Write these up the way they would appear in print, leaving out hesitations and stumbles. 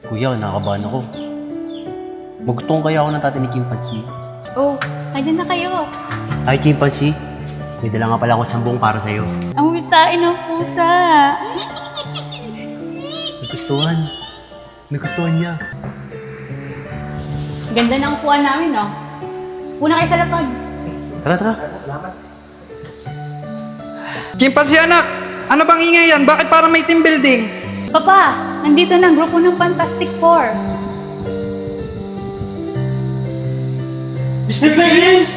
Kuya, nakakabahan ako. Magtong kaya ako ng tatay ni Chimpanzee. Oh, andyan na kayo. Hi, Chimpanzee. May dala nga pala akong sambong para sa'yo. Ang witain ng pusa. Nagustuhan. Nagustuhan niya. Ganda ng upuan namin, no? Una kayo sa lapag. Tara, tara. Chimpanzee anak, ano bang ingay yan? Bakit parang may team building? Papa, nandito na ang grupo ng Fantastic Four. Mr. James!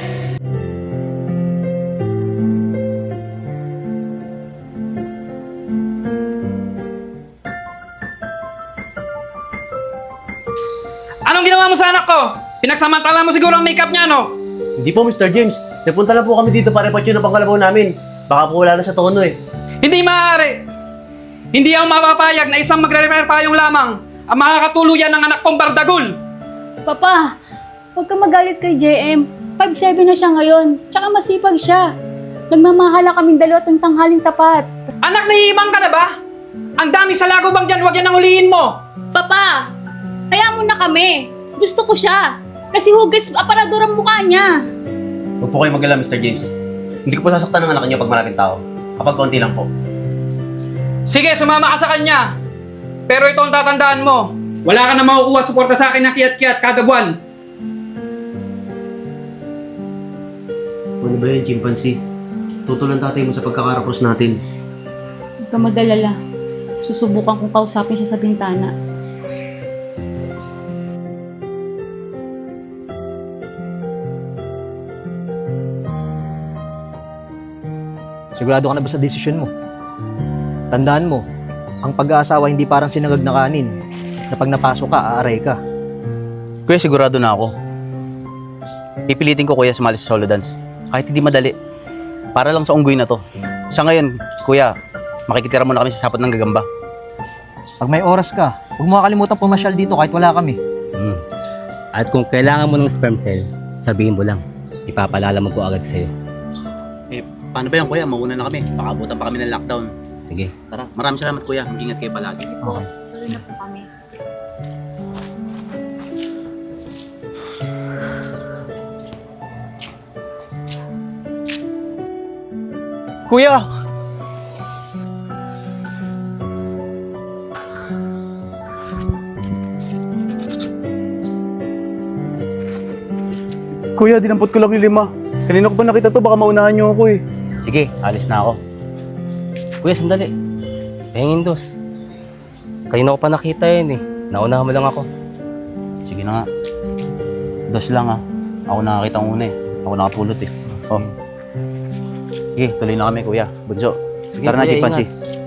Anong ginawa mo sa anak ko? Pinagsamantala mo siguro ang makeup niya, no? Hindi po, Mr. James. Napunta lang po kami dito para ipatyo ng pangkalabaw namin. Baka po wala na sa tono eh. Hindi maaari. Hindi ako mapapayag na isang magre-repair payong lamang ang makakatuluyan ng anak kong bardagul. Papa, huwag ka magalit kay JM. 5'7 na siya ngayon. Tsaka masipag siya. Nagmamahala kaming dalawa tuwing tanghaling tapat. Anak, nahihimang ka na ba? Ang dami sa lagobang dyan, huwag yan ang huliin mo. Papa, kaya mo na kami. Gusto ko siya. Kasi hugis aparador ang mukha niya. Huwag po kayo mag-alala, Mr. James. Hindi ko po sasaktan ng anak niyo pag maraming tao. Kapag konti lang po. Sige, sumama ka sa kanya. Pero ito ang tatandaan mo. Wala ka na makukuha at suporta sa akin ng kiyat-kiyat kada buwan. Ano ba yan, Chimpanzee? Tutulan tatay mo sa pagkakarapos natin. Huwag ka mag-alala. Susubukan kong kausapin siya sa bintana. Sigurado ka na ba sa desisyon mo? Tandaan mo, ang pag-aasawa hindi parang sinangag na kanin na pag napasok ka, aaray ka. Kuya, sigurado na ako. Pipilitin ko kuya sumali sa solo dance. Kahit hindi madali. Para lang sa unggoy na to. Sa ngayon, kuya, makikitira muna kami sa sapot ng gagamba. Pag may oras ka, huwag mo kakalimutan pumasyal dito kahit wala kami. At kung kailangan mo ng sperm cell, sabihin mo lang. Ipapalalaman ko agad sa'yo. Eh, paano ba yan kuya? Mauna na kami. Baka abutan pa kami ng lockdown. Sige. Tara, maraming salamat kuya. Mag-ingat kayo palagi. Okay. Tuloy na po kami. Kuya! Kuya, dinampot ko lang yung 5. Kanina ko pa nakita to, baka maunahan niyo ako eh. Sige, alis na ako. Kuya, sandali. Pahingin dos. Kayo na ko pa nakita yun eh. Naunahan mo lang ako. Sige na nga. Dos lang ah. Ako nakakita ang una eh. Ako nakapulot eh. Oh. Sige, tuloy na kami kuya. Bunso, Sige, tara na, kuya, Chimpanzee. ingat.